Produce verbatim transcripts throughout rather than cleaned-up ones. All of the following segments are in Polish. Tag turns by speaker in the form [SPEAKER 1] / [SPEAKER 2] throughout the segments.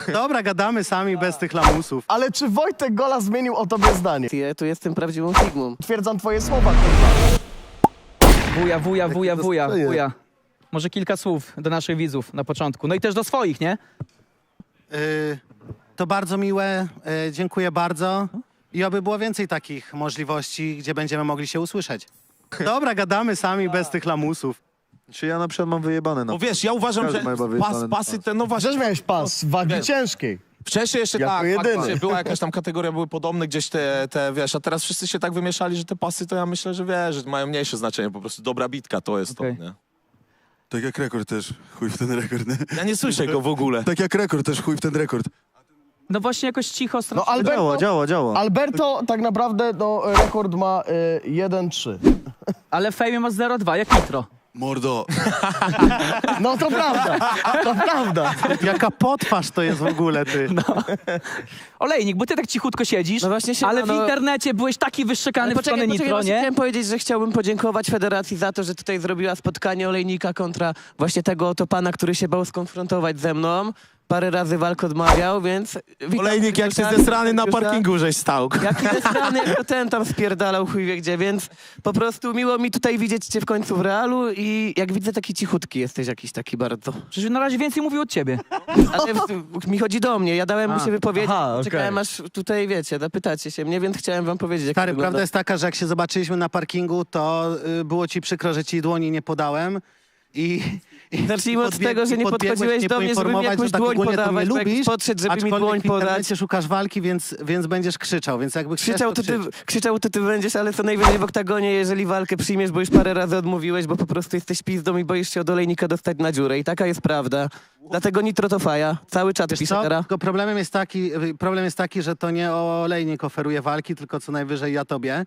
[SPEAKER 1] Dobra, gadamy sami bez tych lamusów.
[SPEAKER 2] Ale czy Wojtek Gola zmienił o tobie zdanie?
[SPEAKER 3] Ja tu jestem prawdziwą Sigmą.
[SPEAKER 2] Twierdzam twoje słowa, kurwa.
[SPEAKER 4] Wuja, wuja, wuja, wuja,
[SPEAKER 5] dostaję.
[SPEAKER 4] wuja. Może kilka słów do naszych widzów na początku. No i też do swoich, nie?
[SPEAKER 1] Yy, to bardzo miłe, yy, dziękuję bardzo. I oby było więcej takich możliwości, gdzie będziemy mogli się usłyszeć. Dobra, gadamy sami bez tych lamusów.
[SPEAKER 5] Czy ja na przykład mam wyjebane na
[SPEAKER 6] No wiesz, ja uważam,
[SPEAKER 5] Każdy
[SPEAKER 6] że
[SPEAKER 5] ma chyba
[SPEAKER 6] pas,
[SPEAKER 5] wyjebane na
[SPEAKER 6] pasy
[SPEAKER 5] pas.
[SPEAKER 6] te, no właśnie,
[SPEAKER 2] Przecież miałeś pas wagi
[SPEAKER 6] Wiesz.
[SPEAKER 2] ciężkiej.
[SPEAKER 6] wcześniej jeszcze
[SPEAKER 2] Jako
[SPEAKER 6] tak,
[SPEAKER 2] jedyny.
[SPEAKER 6] faktycznie była jakaś tam kategoria, były podobne gdzieś te, te, wiesz, a teraz wszyscy się tak wymieszali, że te pasy to ja myślę, że wiesz, że mają mniejsze znaczenie, po prostu dobra bitka to jest
[SPEAKER 4] Okej.
[SPEAKER 6] to, nie?
[SPEAKER 5] Tak jak rekord też, chuj w ten rekord, nie?
[SPEAKER 6] Ja nie słyszę go w ogóle.
[SPEAKER 5] Tak jak rekord też, chuj w ten rekord.
[SPEAKER 4] No właśnie jakoś cicho,
[SPEAKER 2] No
[SPEAKER 4] strasznie.
[SPEAKER 2] Alberto,
[SPEAKER 5] Działa, działa, działa.
[SPEAKER 2] Alberto tak naprawdę no, rekord ma y, jeden trzy.
[SPEAKER 4] Ale Fejmie ma zero dwa, jak Nitro.
[SPEAKER 5] Mordo.
[SPEAKER 2] No to prawda, to prawda.
[SPEAKER 1] Jaka potwarz to jest w ogóle, ty.
[SPEAKER 4] Olejnik, bo ty tak cichutko siedzisz,
[SPEAKER 3] No właśnie się-
[SPEAKER 4] ale w
[SPEAKER 3] no-
[SPEAKER 4] internecie byłeś taki wyszczekany w stronę Nitro,
[SPEAKER 3] właśnie
[SPEAKER 4] nie?
[SPEAKER 3] chciałem powiedzieć, że chciałbym podziękować Federacji za to, że tutaj zrobiła spotkanie Olejnika kontra właśnie tego oto pana, który się bał skonfrontować ze mną. Parę razy walk odmawiał, więc... witam
[SPEAKER 6] Olejnik, jak się
[SPEAKER 3] serdecznie.
[SPEAKER 6] zesrany na
[SPEAKER 3] Już tak.
[SPEAKER 6] parkingu żeś stał.
[SPEAKER 3] Jaki zesrany, jak to ten tam spierdalał chuj wie gdzie, więc po prostu miło mi tutaj widzieć cię w końcu w realu i jak widzę taki cichutki jesteś jakiś taki bardzo.
[SPEAKER 4] Przecież na razie więcej mówił od ciebie.
[SPEAKER 3] Ale w, mi chodzi do mnie, ja dałem mu
[SPEAKER 4] A.
[SPEAKER 3] się wypowiedzieć,
[SPEAKER 2] Aha, okej.
[SPEAKER 3] czekałem aż tutaj wiecie, zapytacie się mnie, więc chciałem wam powiedzieć jak
[SPEAKER 1] Stary,
[SPEAKER 3] to wygląda.
[SPEAKER 1] prawda jest taka, że jak się zobaczyliśmy na parkingu, to y, było ci przykro, że ci dłoni nie podałem. I, i
[SPEAKER 3] Zacznijmy od
[SPEAKER 1] podbieg-
[SPEAKER 3] tego, że
[SPEAKER 1] i
[SPEAKER 3] nie
[SPEAKER 1] podbiegłeś
[SPEAKER 3] podchodziłeś
[SPEAKER 1] mnie
[SPEAKER 3] do mnie, żeby mi
[SPEAKER 1] poinformować,
[SPEAKER 3] jakąś
[SPEAKER 1] że tak
[SPEAKER 3] dłoń
[SPEAKER 1] ogólnie to
[SPEAKER 3] podawać,
[SPEAKER 1] mnie
[SPEAKER 3] bo jak
[SPEAKER 1] lubisz,
[SPEAKER 3] podszedł, żeby mi
[SPEAKER 1] aczkolwiek
[SPEAKER 3] dłoń
[SPEAKER 1] w internecie
[SPEAKER 3] podać.
[SPEAKER 1] szukasz walki, więc, więc będziesz krzyczał, więc jakby chcesz,
[SPEAKER 3] Krzyczał to, ty,
[SPEAKER 1] krzycz.
[SPEAKER 3] krzyczał to ty będziesz, ale co najwyżej w oktagonie, jeżeli walkę przyjmiesz, bo już parę razy odmówiłeś, bo po prostu jesteś pizdą i boisz się od Olejnika dostać na dziurę i taka jest prawda. Dlatego Nitro to faja. Cały czat
[SPEAKER 1] Wiesz
[SPEAKER 3] pisze
[SPEAKER 1] co?
[SPEAKER 3] teraz.
[SPEAKER 1] Tylko problemem jest, taki, problem jest taki, że to nie Olejnik oferuje walki, tylko co najwyżej ja tobie.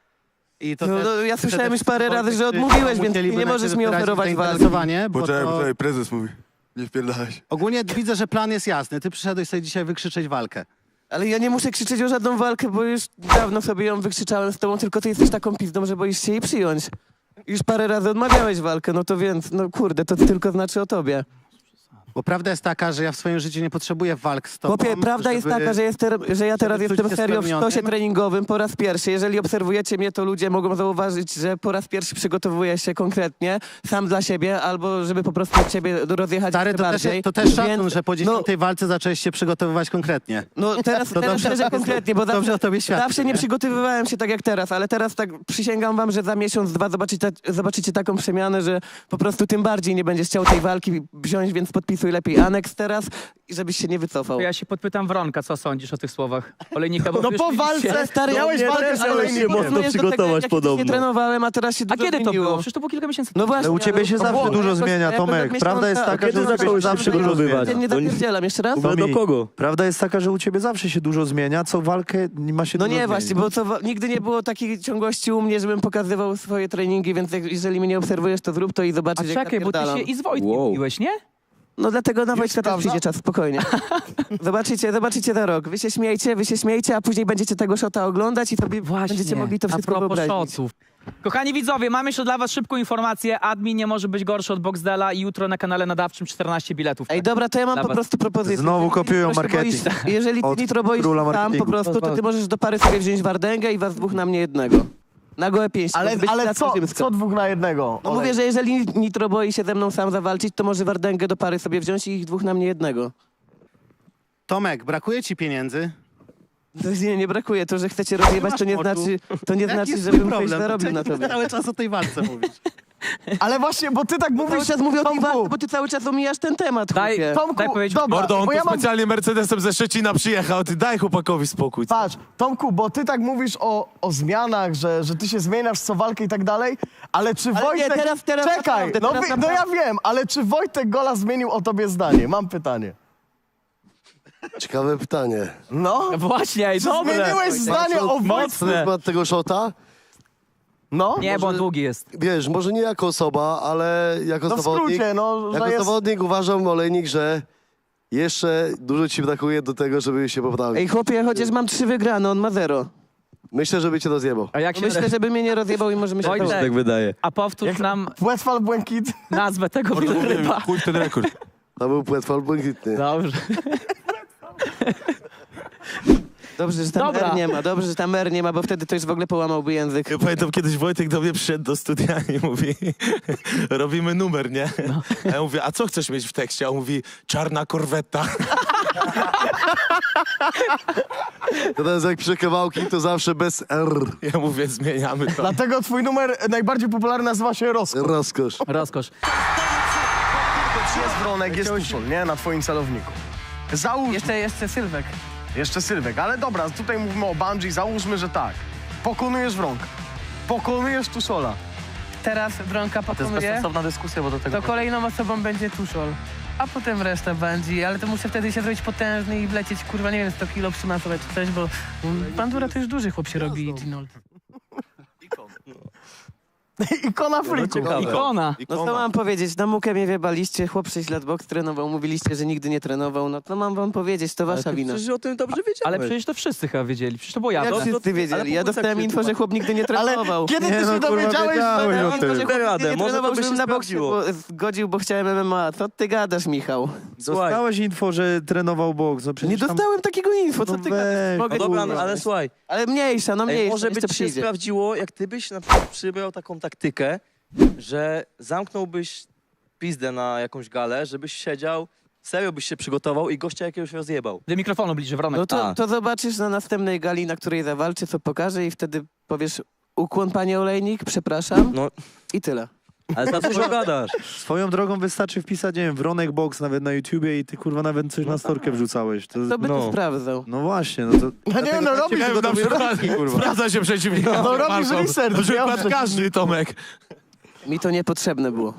[SPEAKER 1] I to
[SPEAKER 3] No,
[SPEAKER 1] też
[SPEAKER 3] no, ja
[SPEAKER 1] przede
[SPEAKER 3] słyszałem już parę
[SPEAKER 1] wszystkim
[SPEAKER 3] razy, że
[SPEAKER 1] Wojtek,
[SPEAKER 3] odmówiłeś,
[SPEAKER 1] czy
[SPEAKER 3] więc
[SPEAKER 1] musieliby
[SPEAKER 3] nie
[SPEAKER 1] na
[SPEAKER 3] możesz
[SPEAKER 1] ciebie
[SPEAKER 3] mi
[SPEAKER 1] wyrazić
[SPEAKER 3] oferować walki.
[SPEAKER 1] zainteresowanie, bo
[SPEAKER 5] Poczekaj,
[SPEAKER 1] to...
[SPEAKER 5] poczekaj, prezes mówi. Nie wpierdalać.
[SPEAKER 1] Ogólnie widzę, że plan jest jasny. Ty przyszedłeś sobie dzisiaj wykrzyczeć walkę.
[SPEAKER 3] Ale ja nie muszę krzyczeć o żadną walkę, bo już dawno sobie ją wykrzyczałem z tobą, tylko ty jesteś taką pizdą, że boisz się jej przyjąć. Już parę razy odmawiałeś walkę, no to więc, no kurde, to tylko znaczy o tobie.
[SPEAKER 1] Bo prawda jest taka, że ja w swoim życiu nie potrzebuję walk z tobą.
[SPEAKER 3] Chłopie, prawda jest
[SPEAKER 1] żeby-
[SPEAKER 3] taka, że, jest ter- że ja teraz
[SPEAKER 1] żeby czuć
[SPEAKER 3] jestem
[SPEAKER 1] się
[SPEAKER 3] serio w
[SPEAKER 1] spełnionym.
[SPEAKER 3] sztosie treningowym po raz pierwszy. Jeżeli obserwujecie mnie, to ludzie mogą zauważyć, że po raz pierwszy przygotowuję się konkretnie, sam dla siebie, albo żeby po prostu od ciebie rozjechać
[SPEAKER 1] Stary,
[SPEAKER 3] jeszcze
[SPEAKER 1] to też,
[SPEAKER 3] bardziej.
[SPEAKER 1] to też szacun,
[SPEAKER 3] Więc,
[SPEAKER 1] że po dziesiątej walce zacząłeś się przygotowywać konkretnie.
[SPEAKER 3] No teraz,
[SPEAKER 1] To
[SPEAKER 3] teraz
[SPEAKER 1] dobrze,
[SPEAKER 3] szczerze
[SPEAKER 1] to-
[SPEAKER 3] konkretnie, bo
[SPEAKER 1] dobrze
[SPEAKER 3] zawsze,
[SPEAKER 1] o tobie świadczy,
[SPEAKER 3] zawsze nie
[SPEAKER 1] nie?
[SPEAKER 3] przygotowywałem się tak jak teraz, ale teraz tak przysięgam wam, że za miesiąc, dwa zobaczycie, zobaczycie taką przemianę, że po prostu tym bardziej nie będziesz chciał tej walki wziąć, więc podpisuj lepiej aneks teraz i żebyś się nie wycofał.
[SPEAKER 4] To ja się podpytam Wronka, co sądzisz o tych słowach Olejnika, bo
[SPEAKER 2] No
[SPEAKER 4] już
[SPEAKER 2] po
[SPEAKER 4] widzicie-
[SPEAKER 2] walce,
[SPEAKER 3] Stary,
[SPEAKER 2] miałeś
[SPEAKER 3] ja
[SPEAKER 2] walkę
[SPEAKER 3] też-
[SPEAKER 2] z
[SPEAKER 3] ale
[SPEAKER 2] Olejnikiem.
[SPEAKER 3] się mocno przygotować podobno. Nie trenowałem, a teraz się
[SPEAKER 4] A
[SPEAKER 3] dużo
[SPEAKER 4] kiedy to
[SPEAKER 3] zmieniło.
[SPEAKER 4] było? Przecież to było kilka miesięcy
[SPEAKER 3] No
[SPEAKER 4] temu.
[SPEAKER 3] właśnie,
[SPEAKER 5] Ale u ciebie się
[SPEAKER 3] ale-
[SPEAKER 5] zawsze
[SPEAKER 3] no,
[SPEAKER 5] dużo
[SPEAKER 3] jakoś-
[SPEAKER 5] zmienia,
[SPEAKER 3] jakoś
[SPEAKER 5] Tomek.
[SPEAKER 3] od
[SPEAKER 5] Prawda jest
[SPEAKER 3] miesiąca-
[SPEAKER 5] taka,
[SPEAKER 3] kiedy
[SPEAKER 5] że u ciebie
[SPEAKER 3] zacząłeś
[SPEAKER 5] się zawsze
[SPEAKER 3] się
[SPEAKER 5] dużo
[SPEAKER 3] przygotowywać?
[SPEAKER 5] zmienia.
[SPEAKER 3] Nie zapierdzielam, jeszcze raz?
[SPEAKER 5] Tomi,
[SPEAKER 7] do kogo?
[SPEAKER 5] Prawda jest taka, że u ciebie zawsze się dużo zmienia, co walkę nie ma się
[SPEAKER 3] No
[SPEAKER 5] dużo
[SPEAKER 3] nie,
[SPEAKER 5] zmienić.
[SPEAKER 3] właśnie, bo co, wa- nigdy nie było takiej ciągłości u mnie, żebym pokazywał swoje treningi, więc jak, jeżeli mnie nie obserwujesz, to zrób to i
[SPEAKER 4] A
[SPEAKER 3] zobaczysz, jak
[SPEAKER 4] czekaj, bo ty
[SPEAKER 3] napierdalam.
[SPEAKER 4] się i z Wojtkiem
[SPEAKER 7] Wow.
[SPEAKER 4] biłeś, nie?
[SPEAKER 3] No dlatego na Wojtka też
[SPEAKER 2] sprawdza?
[SPEAKER 3] przyjdzie czas, spokojnie. zobaczycie, zobaczycie za rok. Wy się śmiejcie, wy się śmiejcie, a później będziecie tego szota oglądać i sobie będziecie mogli to
[SPEAKER 4] a
[SPEAKER 3] wszystko
[SPEAKER 4] propos
[SPEAKER 3] wyobrazić.
[SPEAKER 4] szoców. Kochani widzowie, mam jeszcze dla was szybką informację. Admin nie może być gorszy od Boxdela i jutro na kanale nadawczym czternaście biletów.
[SPEAKER 3] Ej, dobra, to ja mam
[SPEAKER 4] Dla
[SPEAKER 3] po
[SPEAKER 4] was.
[SPEAKER 3] prostu propozycję.
[SPEAKER 5] Znowu
[SPEAKER 3] Jeżeli ty
[SPEAKER 5] kopiują
[SPEAKER 3] Nitro się
[SPEAKER 5] marketing.
[SPEAKER 3] Boisz, jeżeli ty
[SPEAKER 5] Od
[SPEAKER 3] Nitro boisz
[SPEAKER 5] króla
[SPEAKER 3] sam po
[SPEAKER 5] marketingu.
[SPEAKER 3] prostu, to ty możesz do pary sobie wziąć Wardęgę i was dwóch na mnie jednego. Na gołe pięści.
[SPEAKER 2] Ale,
[SPEAKER 3] Może być
[SPEAKER 2] ale
[SPEAKER 3] Placka
[SPEAKER 2] co,
[SPEAKER 3] Rzymska.
[SPEAKER 2] co dwóch na jednego?
[SPEAKER 3] No
[SPEAKER 2] Olej?
[SPEAKER 3] mówię, że jeżeli Nitro boi się ze mną sam zawalczyć, to może Wardęgę do pary sobie wziąć i ich dwóch na mnie jednego.
[SPEAKER 1] Tomek, brakuje ci pieniędzy?
[SPEAKER 3] To nie, nie brakuje. To, że chcecie rozjebać, to nie
[SPEAKER 1] masz moczu.
[SPEAKER 3] znaczy, to nie
[SPEAKER 1] Jaki
[SPEAKER 3] znaczy,
[SPEAKER 1] jest
[SPEAKER 3] żebym
[SPEAKER 1] twój
[SPEAKER 3] coś
[SPEAKER 1] problem?
[SPEAKER 3] zarobił
[SPEAKER 1] Ty
[SPEAKER 3] na tobie.
[SPEAKER 1] cały czas o tej walce mówisz.
[SPEAKER 2] Ale właśnie, bo ty tak
[SPEAKER 3] Cały
[SPEAKER 2] mówisz,
[SPEAKER 3] czas mówię o tej
[SPEAKER 2] Tomku,
[SPEAKER 3] walce, bo ty cały czas omijasz ten temat,
[SPEAKER 4] Daj-
[SPEAKER 3] chłopie.
[SPEAKER 2] Tomku,
[SPEAKER 4] Daj powiedzieć-
[SPEAKER 2] dobra,
[SPEAKER 6] Mordo, on
[SPEAKER 2] bo
[SPEAKER 6] tu
[SPEAKER 2] ja mam...
[SPEAKER 6] specjalnie Mercedesem ze Szczecina przyjechał, ty daj chłopakowi spokój.
[SPEAKER 2] Patrz, Tomku, bo ty tak mówisz o, o zmianach, że, że ty się zmieniasz co walkę i tak dalej, ale czy
[SPEAKER 3] Ale nie,
[SPEAKER 2] Wojtek...
[SPEAKER 3] teraz- teraz
[SPEAKER 2] Czekaj,
[SPEAKER 3] naprawdę,
[SPEAKER 2] no,
[SPEAKER 3] teraz
[SPEAKER 2] wi- no ja wiem, ale czy Wojtek Gola zmienił o tobie zdanie? Mam pytanie.
[SPEAKER 7] Ciekawe pytanie.
[SPEAKER 2] No?
[SPEAKER 4] Właśnie, ej,
[SPEAKER 2] Czy
[SPEAKER 4] dobre.
[SPEAKER 2] zmieniłeś zdanie o Wojtku?
[SPEAKER 4] Mocne.
[SPEAKER 7] Na tego szota?
[SPEAKER 2] No?
[SPEAKER 4] Nie, bo on długi jest.
[SPEAKER 7] Wiesz, może nie jako osoba, ale jako
[SPEAKER 2] No w
[SPEAKER 7] zawodnik.
[SPEAKER 2] skrócie, no, że
[SPEAKER 7] jako
[SPEAKER 2] jest...
[SPEAKER 7] zawodnik uważam, Olejnik, że jeszcze dużo ci brakuje do tego, żeby się poprawić.
[SPEAKER 3] Ej, chłopie, chociaż mam trzy wygrane, on ma zero.
[SPEAKER 7] Myślę, żeby cię rozjebał.
[SPEAKER 4] A jak się...
[SPEAKER 3] Myślę, żeby mnie nie rozjebał i możemy się...
[SPEAKER 4] Wojtek.
[SPEAKER 7] Tak wydaje.
[SPEAKER 4] A powtórz nam
[SPEAKER 2] Westfal Błękit.
[SPEAKER 4] nazwę tego
[SPEAKER 6] Mordo,
[SPEAKER 4] wieloryba.
[SPEAKER 6] chuj w ten rekord.
[SPEAKER 7] To był płetwal błękitny.
[SPEAKER 4] Dobrze.
[SPEAKER 3] Dobrze, że tam
[SPEAKER 4] Dobra.
[SPEAKER 3] R nie ma, dobrze, że tam R nie ma, bo wtedy to już w ogóle połamałby język.
[SPEAKER 6] Ja pamiętam, kiedyś Wojtek do mnie przyszedł do studia i mówi, robimy numer, nie? A ja mówię, a co chcesz mieć w tekście? A on mówi, czarna korweta.
[SPEAKER 7] To teraz jak piszę kawałki, to zawsze bez R.
[SPEAKER 6] Ja mówię, zmieniamy to.
[SPEAKER 2] Dlatego twój numer najbardziej popularny nazywa się Rozkosz.
[SPEAKER 7] Rozkosz.
[SPEAKER 4] Rozkosz.
[SPEAKER 2] Jest Wronek, jest Tuszol, nie? Na twoim celowniku. Załóż...
[SPEAKER 3] Jeszcze, jeszcze Sylwek.
[SPEAKER 2] Jeszcze Sylwek, ale dobra, tutaj mówimy o bungee, załóżmy, że tak. Pokonujesz Wronka. Pokonujesz Tuszola.
[SPEAKER 3] Teraz Wronka pokonuje,
[SPEAKER 2] dyskusja, bo do tego...
[SPEAKER 3] to kolejną osobą będzie Tuszol. A potem reszta będzie, ale to muszę wtedy się zrobić potężny i wlecieć, kurwa, nie wiem, sto kilo przymasować czy coś, bo bandura to już duży chłop się robi, Ginold.
[SPEAKER 2] Ikona friku.
[SPEAKER 4] Ikona.
[SPEAKER 3] No co mam powiedzieć, na mukę mnie wiebaliście, chłop sześć lat boks trenował, mówiliście, że nigdy nie trenował, no to mam wam powiedzieć, to wasza wina.
[SPEAKER 5] Przecież o tym dobrze wiedziałeś.
[SPEAKER 4] Ale przecież to wszyscy chyba wiedzieli. Przecież to było
[SPEAKER 3] Jak
[SPEAKER 4] jawne.
[SPEAKER 3] wszyscy wiedzieli, ja dostałem info, że chłop nigdy nie
[SPEAKER 2] Ale
[SPEAKER 3] trenował.
[SPEAKER 2] kiedy ty
[SPEAKER 5] Nie,
[SPEAKER 2] się
[SPEAKER 5] no, kurwa,
[SPEAKER 2] dowiedziałeś,
[SPEAKER 5] wiedziałeś
[SPEAKER 2] że...
[SPEAKER 5] o
[SPEAKER 3] Info,
[SPEAKER 5] tym.
[SPEAKER 3] że chłop nigdy
[SPEAKER 5] Radę,
[SPEAKER 3] nie
[SPEAKER 5] może to
[SPEAKER 3] trenował,
[SPEAKER 5] by się
[SPEAKER 3] żebym na boksie
[SPEAKER 5] sprawdziło.
[SPEAKER 3] bo- zgodził, bo chciałem M M A. Co ty gadasz, Michał?
[SPEAKER 5] Dostałeś info, że trenował boks. No przecież
[SPEAKER 3] Nie
[SPEAKER 5] tam...
[SPEAKER 3] dostałem takiego info, co
[SPEAKER 5] No
[SPEAKER 3] ty
[SPEAKER 5] weź,
[SPEAKER 3] gadasz? Mogę
[SPEAKER 5] no dobra,
[SPEAKER 3] ci-
[SPEAKER 5] no ale
[SPEAKER 8] słuchaj,
[SPEAKER 3] Ale mniejsza, no
[SPEAKER 8] ej,
[SPEAKER 3] mniejsza,
[SPEAKER 8] może
[SPEAKER 3] jeszcze
[SPEAKER 8] by ci się
[SPEAKER 3] przyjdzie.
[SPEAKER 8] sprawdziło, jak ty byś na przykład przybrał taką taktykę, że zamknąłbyś pizdę na jakąś galę, żebyś siedział, serio byś się przygotował i gościa jakiegoś rozjebał.
[SPEAKER 4] Do mikrofonu bliżej, Wronek.
[SPEAKER 3] No to,
[SPEAKER 8] A.
[SPEAKER 3] to zobaczysz na następnej gali, na której zawalczy, co pokaże i wtedy powiesz ukłon, panie Olejnik, przepraszam
[SPEAKER 8] No,
[SPEAKER 3] i tyle.
[SPEAKER 8] ale za dużo gadasz.
[SPEAKER 5] Swoją drogą wystarczy wpisać, nie wiem, Wronek Box nawet na YouTubie i ty kurwa nawet coś na storkę wrzucałeś. To,
[SPEAKER 3] Kto by
[SPEAKER 8] No.
[SPEAKER 3] to sprawdzał?
[SPEAKER 5] no właśnie, no to...
[SPEAKER 2] No nie, no robisz,
[SPEAKER 6] Na przykład, sprawdza się przeciwnika.
[SPEAKER 2] no robisz research.
[SPEAKER 6] Na przykład
[SPEAKER 2] dobrze.
[SPEAKER 6] każdy, Tomek.
[SPEAKER 3] Mi to niepotrzebne było.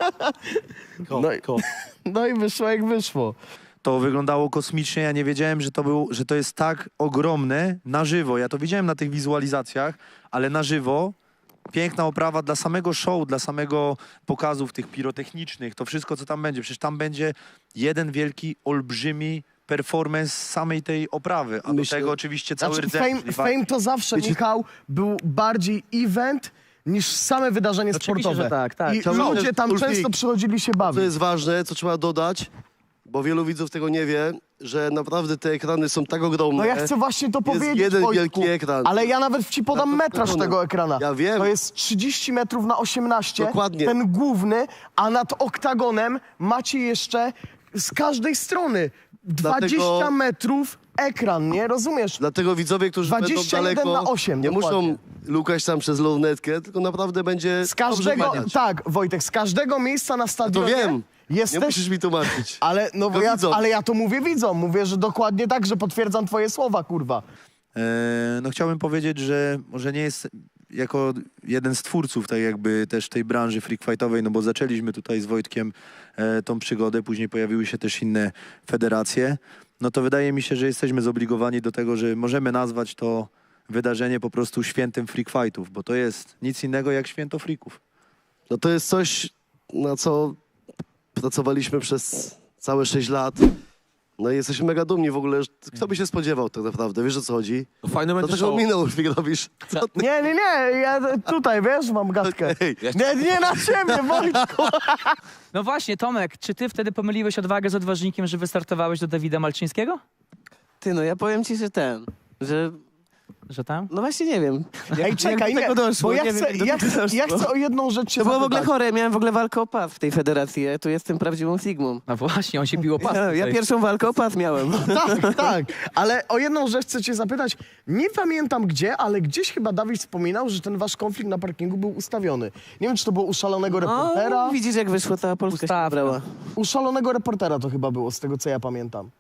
[SPEAKER 2] No i, no i wyszło jak wyszło.
[SPEAKER 5] To wyglądało kosmicznie, ja nie wiedziałem, że to, był, że to jest tak ogromne na żywo. Ja to widziałem na tych wizualizacjach, ale na żywo piękna oprawa dla samego show, dla samego pokazów tych pirotechnicznych, to wszystko, co tam będzie. Przecież tam będzie jeden wielki, olbrzymi performance samej tej oprawy, a
[SPEAKER 7] Myślę-
[SPEAKER 5] do tego oczywiście cały
[SPEAKER 2] Znaczy,
[SPEAKER 5] rdzeń.
[SPEAKER 2] fame,
[SPEAKER 5] czyli
[SPEAKER 2] fame to zawsze,
[SPEAKER 7] Wiecie-
[SPEAKER 2] Michał, był bardziej event niż same wydarzenie
[SPEAKER 4] Oczywiście,
[SPEAKER 2] sportowe.
[SPEAKER 4] że tak, tak.
[SPEAKER 2] I
[SPEAKER 7] Cały
[SPEAKER 2] ludzie
[SPEAKER 7] czas
[SPEAKER 2] tam
[SPEAKER 7] Ulfik.
[SPEAKER 2] często przychodzili się
[SPEAKER 7] Co
[SPEAKER 2] bawić.
[SPEAKER 7] jest ważne, co trzeba dodać, bo wielu widzów tego nie wie, że naprawdę te ekrany są tak ogromne.
[SPEAKER 2] No ja chcę właśnie to powiedzieć,
[SPEAKER 7] jeden
[SPEAKER 2] Wojtku,
[SPEAKER 7] wielki ekran.
[SPEAKER 2] ale ja nawet ci podam
[SPEAKER 7] Na to
[SPEAKER 2] metraż
[SPEAKER 7] wskazane.
[SPEAKER 2] tego ekrana.
[SPEAKER 7] Ja wiem.
[SPEAKER 2] To jest trzydzieści metrów na osiemnaście,
[SPEAKER 7] Dokładnie.
[SPEAKER 2] ten główny, a nad oktagonem macie jeszcze z każdej strony dwadzieścia
[SPEAKER 7] Dlatego-
[SPEAKER 2] metrów ekran, nie? Rozumiesz?
[SPEAKER 7] Dlatego widzowie, którzy będą
[SPEAKER 2] dwadzieścia jeden
[SPEAKER 7] daleko,
[SPEAKER 2] na osiem,
[SPEAKER 7] nie
[SPEAKER 2] dokładnie.
[SPEAKER 7] muszą lukać tam przez lornetkę, tylko naprawdę będzie
[SPEAKER 2] Z każdego,
[SPEAKER 7] dobrze widać.
[SPEAKER 2] tak, Wojtek, z każdego miejsca na
[SPEAKER 7] To
[SPEAKER 2] stadionie
[SPEAKER 7] wiem, nie
[SPEAKER 2] jesteś...
[SPEAKER 7] musisz mi tłumaczyć.
[SPEAKER 2] Ale, no, bo
[SPEAKER 7] To
[SPEAKER 2] ja,
[SPEAKER 7] widzom.
[SPEAKER 2] ale ja to mówię widzom, mówię, że dokładnie tak, że potwierdzam twoje słowa, kurwa.
[SPEAKER 5] E, no chciałbym powiedzieć, że może nie jest jako jeden z twórców tak jakby też tej branży freak fightowej, no bo zaczęliśmy tutaj z Wojtkiem e, tą przygodę, później pojawiły się też inne federacje, no to wydaje mi się, że jesteśmy zobligowani do tego, że możemy nazwać to wydarzenie po prostu świętem freak fightów, bo to jest nic innego jak święto freaków.
[SPEAKER 7] No to jest coś, na co pracowaliśmy przez całe sześć lat. No i jesteśmy mega dumni w ogóle. że- Kto by się spodziewał tak naprawdę, wiesz o co chodzi?
[SPEAKER 6] No fajny
[SPEAKER 7] To
[SPEAKER 6] będzie
[SPEAKER 7] tego
[SPEAKER 6] show.
[SPEAKER 7] minął, jak robisz. Co ty?
[SPEAKER 2] Nie, nie, nie, ja tutaj, wiesz, mam gadkę.
[SPEAKER 7] Ej,
[SPEAKER 2] Nie, nie na ciebie, Wojtku.
[SPEAKER 4] No właśnie, Tomek, czy ty wtedy pomyliłeś odwagę z odważnikiem, że wystartowałeś do Dawida Malczyńskiego?
[SPEAKER 3] Ty, no ja powiem ci, że ten, że...
[SPEAKER 4] Że tam?
[SPEAKER 3] No właśnie nie wiem.
[SPEAKER 2] Ej, czekaj,
[SPEAKER 3] jak do
[SPEAKER 2] nie,
[SPEAKER 3] tego doszło,
[SPEAKER 2] bo ja
[SPEAKER 3] nie wiem,
[SPEAKER 2] chcę,
[SPEAKER 3] jak do
[SPEAKER 2] ja,
[SPEAKER 3] tego
[SPEAKER 2] chcę, ja
[SPEAKER 3] doszło.
[SPEAKER 2] chcę o jedną rzecz się
[SPEAKER 3] To było w ogóle
[SPEAKER 2] zapytać.
[SPEAKER 3] chore, miałem w ogóle walkę o pas w tej federacji, ja tu jestem prawdziwą Sigmą.
[SPEAKER 4] No właśnie, on się pił o pas.
[SPEAKER 3] Ja, ja
[SPEAKER 4] tutaj.
[SPEAKER 3] pierwszą walkę o pas miałem.
[SPEAKER 2] Tak, tak, ale o jedną rzecz chcę cię zapytać. Nie pamiętam gdzie, ale gdzieś chyba Dawid wspominał, że ten wasz konflikt na parkingu był ustawiony. Nie wiem, czy to było u szalonego reportera.
[SPEAKER 3] O, widzisz jak wyszło, cała Polska się
[SPEAKER 4] Ustawka.
[SPEAKER 3] brała.
[SPEAKER 2] U szalonego reportera to chyba było, z tego co ja pamiętam.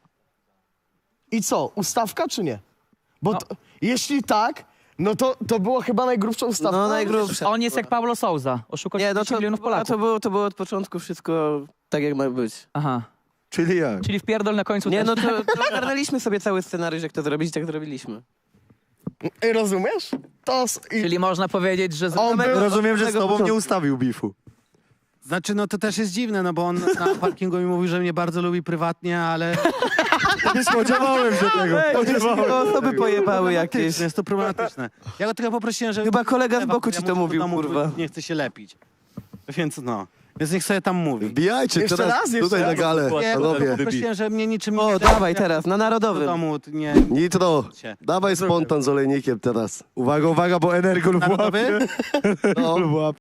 [SPEAKER 2] I co, ustawka czy nie? Bo
[SPEAKER 4] No.
[SPEAKER 2] to, jeśli tak, no to, to było chyba najgrubsza ustawka.
[SPEAKER 3] No najgrubsza.
[SPEAKER 4] On jest jak Pablo Souza. Oszukał
[SPEAKER 3] Nie, no
[SPEAKER 4] trzydzieści
[SPEAKER 3] to,
[SPEAKER 4] milionów
[SPEAKER 3] a
[SPEAKER 4] Polaków.
[SPEAKER 3] to, było, to było od początku wszystko tak jak ma być.
[SPEAKER 4] Aha.
[SPEAKER 5] Czyli jak?
[SPEAKER 4] Czyli wpierdol na końcu
[SPEAKER 3] Nie,
[SPEAKER 4] też.
[SPEAKER 3] no to, to ogarnęliśmy sobie cały scenariusz, jak to zrobić, tak zrobiliśmy.
[SPEAKER 2] Ej, rozumiesz? To... s- I,
[SPEAKER 4] Czyli można powiedzieć, że... z-
[SPEAKER 2] On był-
[SPEAKER 5] Rozumiem, że z
[SPEAKER 3] tego
[SPEAKER 5] tobą nie
[SPEAKER 3] początku.
[SPEAKER 5] ustawił bifu.
[SPEAKER 1] Znaczy, no to też jest dziwne, no bo on na parkingu mi mówił, że mnie bardzo lubi prywatnie, ale...
[SPEAKER 5] Nie spodziewałem się tego.
[SPEAKER 3] To osoby pojebały jakieś.
[SPEAKER 1] Problematyczne, jest to problematyczne. Ja go tylko poprosiłem, że...
[SPEAKER 3] Chyba kolega z boku ci
[SPEAKER 1] Ja
[SPEAKER 3] to
[SPEAKER 1] mu do
[SPEAKER 3] mówił,
[SPEAKER 1] domu
[SPEAKER 3] kurwa.
[SPEAKER 1] Nie chce się lepić. Więc no. Więc niech sobie tam mówi.
[SPEAKER 7] Wbijajcie
[SPEAKER 2] Jeszcze
[SPEAKER 7] teraz
[SPEAKER 2] raz, jeszcze
[SPEAKER 7] tutaj
[SPEAKER 2] raz.
[SPEAKER 7] na galę,
[SPEAKER 1] Nie,
[SPEAKER 7] panowie.
[SPEAKER 1] prosiłem, że mnie niczym nie
[SPEAKER 3] O,
[SPEAKER 1] kręci,
[SPEAKER 3] dawaj
[SPEAKER 1] jak
[SPEAKER 3] teraz, na
[SPEAKER 1] do
[SPEAKER 3] Narodowym.
[SPEAKER 1] domu nie...
[SPEAKER 7] Nitro,
[SPEAKER 1] Cię.
[SPEAKER 7] dawaj spontan z olejnikiem teraz.
[SPEAKER 5] Uwaga, uwaga, bo Energol w
[SPEAKER 1] Narodowy?
[SPEAKER 5] łapie.
[SPEAKER 7] No.
[SPEAKER 5] W łapie.